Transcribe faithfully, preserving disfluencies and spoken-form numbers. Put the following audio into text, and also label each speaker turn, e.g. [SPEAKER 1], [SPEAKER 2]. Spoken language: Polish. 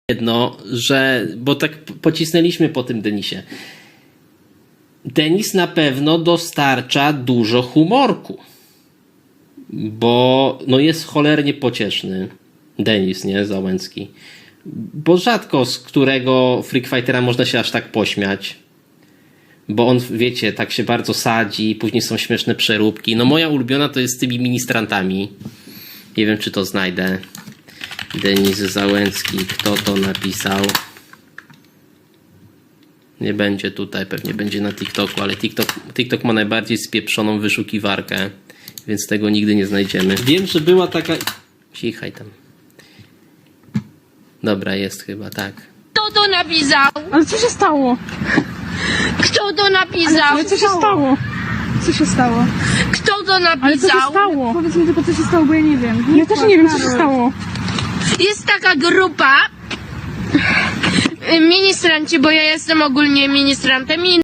[SPEAKER 1] jedno, że, bo tak pocisnęliśmy po tym Denisie. Denis na pewno dostarcza dużo humorku, bo no jest cholernie pocieszny. Denis, nie? Załęcki. Bo rzadko z którego Freak Fightera można się aż tak pośmiać. Bo on, wiecie, tak się bardzo sadzi, później są śmieszne przeróbki. No moja ulubiona to jest z tymi ministrantami. Nie wiem, czy to znajdę. Denis Załęcki, kto to napisał? Nie będzie tutaj, pewnie będzie na TikToku, ale TikTok, TikTok ma najbardziej spieprzoną wyszukiwarkę, więc tego nigdy nie znajdziemy. Wiem, że była taka... Cichaj tam. Dobra, jest chyba, tak.
[SPEAKER 2] Kto to napisał?
[SPEAKER 3] Ale co się stało?
[SPEAKER 2] Kto to napisał?
[SPEAKER 3] Ale co się stało? Co się stało?
[SPEAKER 2] Kto to
[SPEAKER 3] Ale co się
[SPEAKER 2] napisał?
[SPEAKER 3] stało?
[SPEAKER 4] Powiedz mi tylko, co się stało, bo ja nie wiem.
[SPEAKER 3] Ja też nie wiem, co się stało.
[SPEAKER 2] Jest taka grupa y, ministranci, bo ja jestem ogólnie ministrantem i